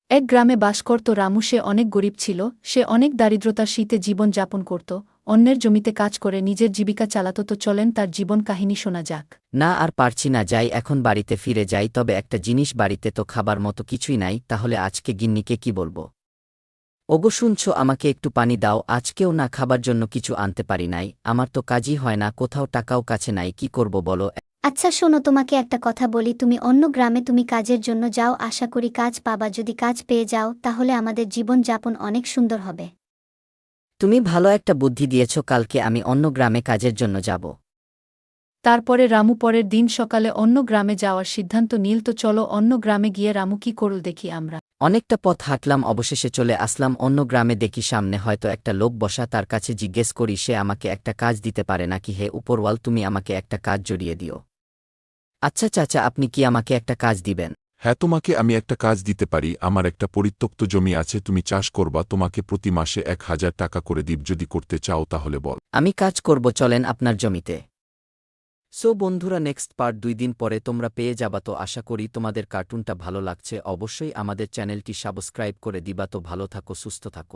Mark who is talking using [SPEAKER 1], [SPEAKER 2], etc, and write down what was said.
[SPEAKER 1] এক গ্রামে বাস করত রামু। সে অনেক গরিব ছিল। সে অনেক দারিদ্রতার শীতে জীবন যাপন করত। অন্যের জমিতে কাজ করে নিজের জীবিকা চালাত। তো চলেন তার জীবন কাহিনী শোনা যাক।
[SPEAKER 2] না, আর পারছি না, যাই এখন বাড়িতে ফিরে যাই। তবে একটা জিনিস, বাড়িতে তো খাবার মতো কিছুই নাই। তাহলে আজকে গিন্নিকে কি বলবো? ওগো শুনছো, আমাকে একটু পানি দাও। আজকেও না খাবার জন্য কিছু আনতে পারি নাই। আমার তো কাজই হয় না, কোথাও টাকাও কাছে নাই, কি করব বলো?
[SPEAKER 3] আচ্ছা শোনো, তোমাকে একটা কথা বলি, তুমি অন্য গ্রামে তুমি কাজের জন্য যাও, আশা করি কাজ পাবা। যদি কাজ পেয়ে যাও তাহলে আমাদের জীবন যাপন অনেক সুন্দর হবে।
[SPEAKER 2] তুমি ভালো একটা বুদ্ধি দিয়েছ, কালকে আমি অন্য গ্রামে কাজের জন্য যাব।
[SPEAKER 1] তারপরে রামু পরের দিন সকালে অন্য গ্রামে যাওয়ার সিদ্ধান্ত নিল। তো চলো অন্য গ্রামে গিয়ে রামু কি করল দেখি আমরা।
[SPEAKER 2] অনেকটা পথ হাঁটলাম, অবশেষে চলে আসলাম অন্য গ্রামে। দেখি সামনে হয়তো একটা লোক বসা, তার কাছে জিজ্ঞেস করি সে আমাকে একটা কাজ দিতে পারে নাকি। হে উপরওয়াল, তুমি আমাকে একটা কাজ জড়িয়ে দিও। আচ্ছা চাচা, আপনি কি আমাকে একটা কাজ দিবেন?
[SPEAKER 4] হ্যাঁ, তোমাকে আমি একটা কাজ দিতে পারি। আমার একটা পরিত্যক্ত জমি আছে, তুমি চাষ করবা, তোমাকে প্রতি মাসে ১,০০০ টাকা করে দিব। যদি করতে চাও তাহলে বল।
[SPEAKER 2] আমি কাজ করব, চলেন আপনার জমিতে। সো বন্ধুরা, নেক্সট পার্ট ২ দিন পরে তোমরা পেয়ে যাবা। তো আশা করি তোমাদের কার্টুনটা ভালো লাগছে। অবশ্যই আমাদের চ্যানেলটি সাবস্ক্রাইব করে দিবা। তো ভালো থাকো, সুস্থ থাকো।